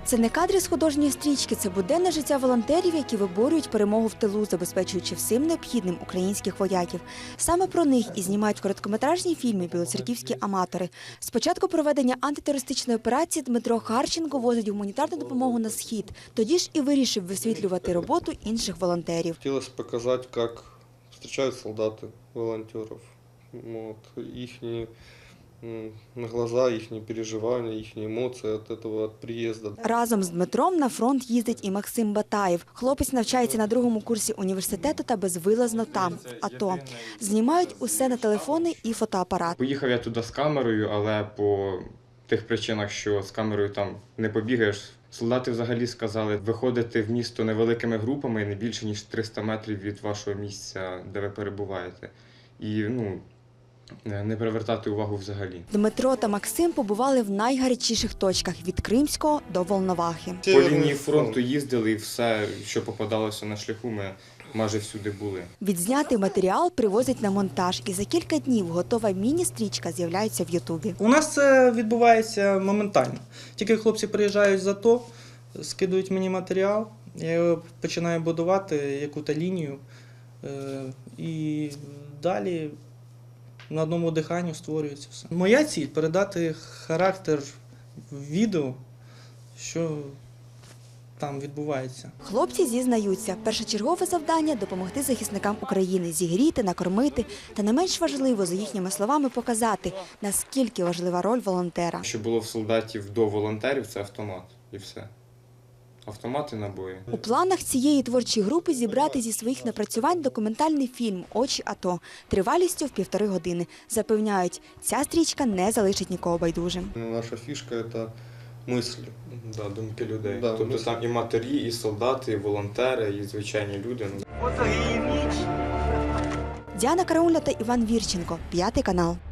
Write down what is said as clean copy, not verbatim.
Це не кадри з художньої стрічки, це буденне життя волонтерів, які виборюють перемогу в тилу, забезпечуючи всім необхідним українських вояків. Саме про них і знімають короткометражні фільми білоцерківські аматори. З початку проведення антитерористичної операції Дмитро Харченко возить гуманітарну допомогу на Схід. Тоді ж і вирішив висвітлювати роботу інших волонтерів. Хотілося показати, як зустрічають солдати волонтерів. Їхні глаза, їхні переживання, їхні емоції від цього від приїзду. Разом з Дмитром на фронт їздить і Максим Батаєв. Хлопець навчається на 2-му курсі університету та безвилазно там, в АТО. Знімають усе на телефони і фотоапарат. Поїхав я туди з камерою, але по тих причинах, що з камерою там не побігаєш. Солдати взагалі сказали виходити в місто невеликими групами, не більше, ніж 300 метрів від вашого місця, де ви перебуваєте. І, не привертати увагу взагалі. Дмитро та Максим побували в найгарячіших точках – від Кримського до Волновахи. По лінії фронту їздили і все, що попадалося на шляху, ми майже всюди були. Відзнятий матеріал привозять на монтаж, і за кілька днів готова міні-стрічка з'являється в Ютубі. У нас це відбувається моментально. Тільки хлопці приїжджають з АТО, скидують мені матеріал, я його починаю будувати, яку-то лінію, і далі на одному диханні створюється все. Моя ціль – передати характер відео, що там відбувається. Хлопці зізнаються, першочергове завдання – допомогти захисникам України, зігріти, накормити. Та не менш важливо, за їхніми словами, показати, наскільки важлива роль волонтера. Що було в солдатів до волонтерів – це автомат і все. Автомат і набої. У планах цієї творчої групи зібрати зі своїх напрацювань документальний фільм «Очі АТО» тривалістю в 1,5 години. Запевняють, ця стрічка не залишить нікого байдужим. Наша фішка – це мислі. Да, думки людей. Да, тобто там і матері, і солдати, і волонтери, і звичайні люди. Діана Карауля та Іван Вірченко, 5 канал.